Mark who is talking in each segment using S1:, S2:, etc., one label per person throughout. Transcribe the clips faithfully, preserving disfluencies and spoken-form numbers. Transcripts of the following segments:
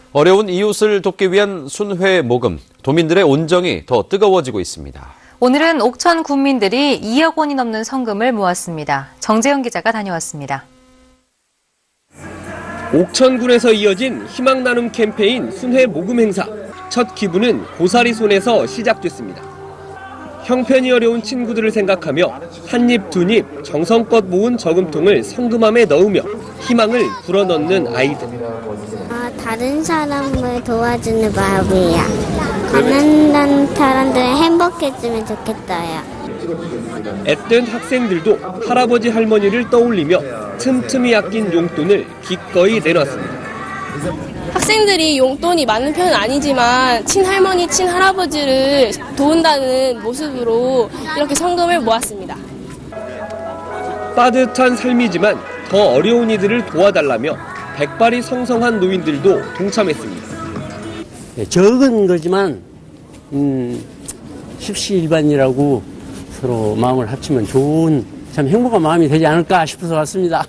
S1: 어려운 이웃을 돕기 위한 순회 모금, 도민들의 온정이 더 뜨거워지고 있습니다.
S2: 오늘은 옥천 군민들이 이억 원이 넘는 성금을 모았습니다. 정재영 기자가 다녀왔습니다.
S3: 옥천군에서 이어진 희망 나눔 캠페인 순회 모금 행사. 첫 기부는 고사리 손에서 시작됐습니다. 형편이 어려운 친구들을 생각하며 한 입 두 입 정성껏 모은 저금통을 성금함에 넣으며 희망을 불어넣는 아이들.
S4: 아, 다른 사람을 도와주는 마음이야. 가난한 사람들은 행복해지면 좋겠어요.
S3: 앳된 학생들도 할아버지 할머니를 떠올리며 틈틈이 아낀 용돈을 기꺼이 내놨습니다.
S5: 학생들이 용돈이 많은 편은 아니지만 친할머니, 친할아버지를 도운다는 모습으로 이렇게 성금을 모았습니다.
S3: 따뜻한 삶이지만 더 어려운 이들을 도와달라며 백발이 성성한 노인들도 동참했습니다.
S6: 네, 적은 거지만 음, 십시일반이라고 서로 마음을 합치면 좋은 참 행복한 마음이 되지 않을까 싶어서 왔습니다.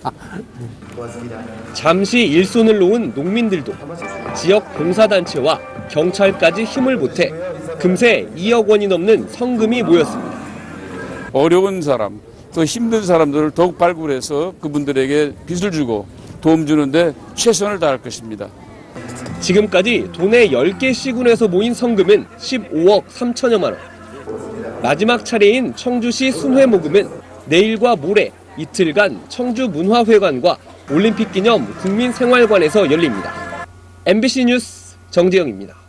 S3: 잠시 일손을 놓은 농민들도 지역 봉사단체와 경찰까지 힘을 보태 금세 이억 원이 넘는 성금이 모였습니다.
S7: 어려운 사람, 또 힘든 사람들을 더욱 발굴해서 그분들에게 빚을 주고 도움 주는데 최선을 다할 것입니다.
S3: 지금까지 도내 열 개 시군에서 모인 성금은 십오억 삼천여만 원. 마지막 차례인 청주시 순회 모금은 내일과 모레 이틀간 청주문화회관과 올림픽 기념 국민생활관에서 열립니다. 엠비씨 뉴스 정재영입니다.